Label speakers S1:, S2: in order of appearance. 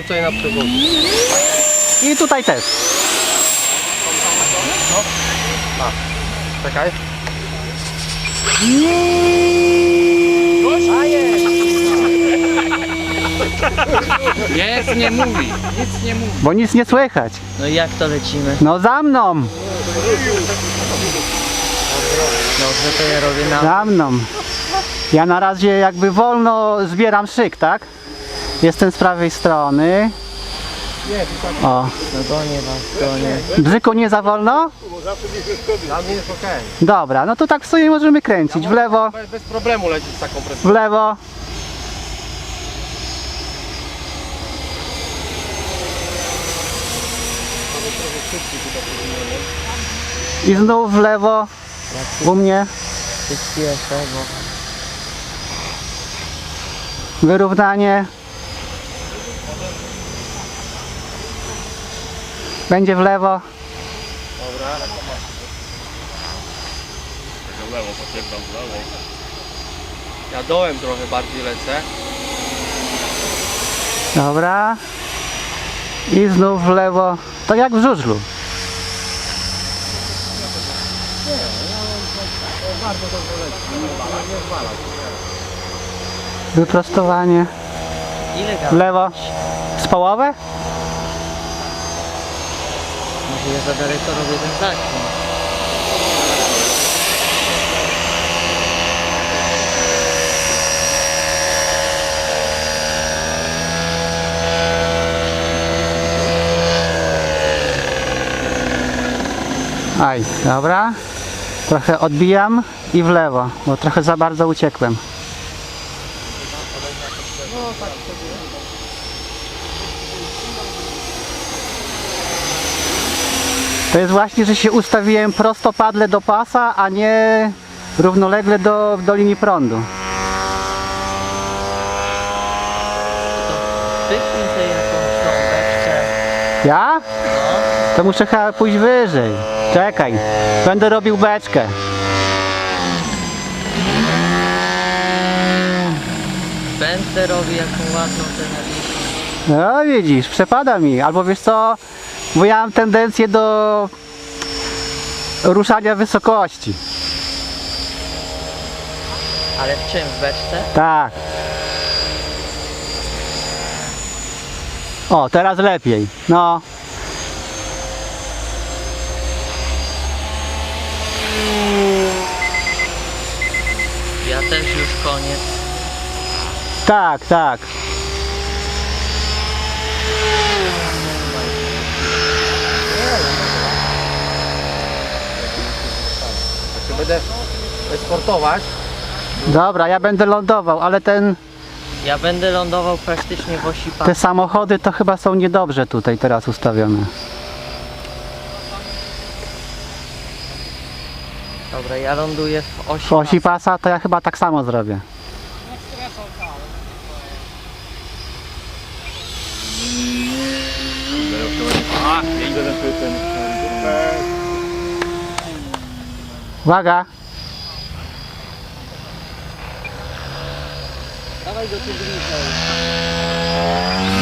S1: tutaj na przewodzie.
S2: I tutaj też.
S1: Czekaj.
S3: Jest, nie mówi, nic nie mówi.
S2: Bo nic nie słychać.
S4: No i jak to lecimy?
S2: No za mną.
S4: Dobrze, to ja robię na...
S2: Za mną. Ja na razie jakby wolno zbieram szyk, tak? Jestem z prawej strony. O.
S4: No gonię was, gonię.
S2: Bzyku, nie za wolno?
S1: Dla mnie jest okej.
S2: Dobra, no to tak w sumie możemy kręcić. W lewo,
S1: Bez problemu lecieć z taką presją.
S2: w lewo. I znów w lewo. U mnie.
S4: Przyspieszę, bo...
S2: Wyrównanie. Będzie w lewo.
S1: Ja dołem trochę bardziej lecę.
S2: Dobra. I znów w lewo. Tak jak w żużlu. Wyprostowanie.
S4: Ile
S2: W
S4: gada?
S2: lewo. Z połowę?
S4: Może ja za daleko robię ten zakręt.
S2: Aj, dobra. Trochę odbijam i w lewo, bo trochę za bardzo uciekłem. To jest właśnie, że się ustawiłem prostopadle do pasa, a nie równolegle do linii prądu.
S4: Wypnij sobie jakąś tą beczkę.
S2: Ja? To muszę chyba pójść wyżej. Czekaj, będę robił beczkę.
S4: Będę robił jaką ładną tenerikę.
S2: No widzisz, przepada mi. Albo wiesz co, bo ja mam tendencję do ruszania wysokości.
S4: Ale w czym? W beczce?
S2: Tak. O, teraz lepiej. No.
S4: Ja też już koniec.
S2: Tak, tak.
S1: Będę sportować.
S2: Dobra, ja będę lądował, ale
S4: Ja będę lądował praktycznie w osi
S2: te
S4: pasa.
S2: samochody to chyba są niedobrze tutaj teraz ustawione.
S4: Dobra, ja ląduję w osi
S2: W osi
S4: pasa.
S2: pasa to ja chyba tak samo zrobię. Uwaga!
S4: Dawaj go tu bliżej.